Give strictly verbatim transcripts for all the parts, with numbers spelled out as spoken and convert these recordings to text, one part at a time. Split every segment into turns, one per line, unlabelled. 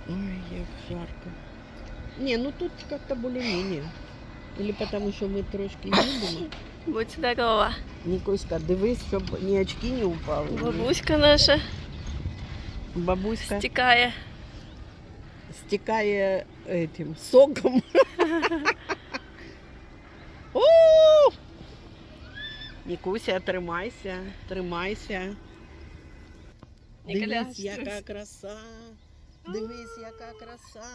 Ой, як жарко. Не, ну тут как-то более-менее. Или потому що ми трошки їдемо.
Будь здорова.
Нікуська, дивись, щоб ні очки не упали. ні-
Бабуська наша
Бабуська
стікає.
стікає этим соком. О! Нікуся, тримайся, тримайся. Дивись, яка краса. Дивись, яка краса.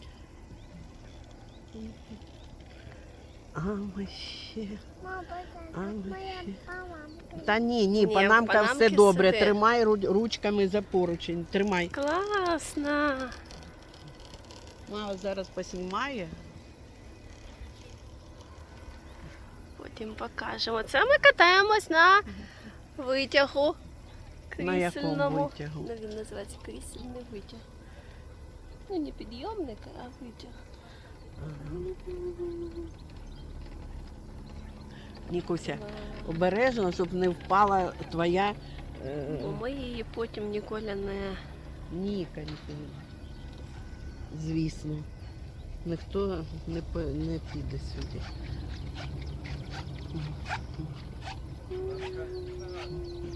А ще. А, ще. Та ні, ні,
Ні,
панамка
панамки
все добре.
сюди.
Тримай ру- ручками за поручень. Тримай.
Класно.
Мама зараз поснімає.
Потім покажемо. Це ми катаємось на витягу.
На якому
Крісельному.
витягу?
Ну, він називається крісельний витяг. Ну, не підйомник, а витяг.
Нікуся, обережно, щоб не впала твоя е,
Бо ми її потім ніколи не...
Ніка, ніколи. Звісно. Ніхто не, по- не піде сюди.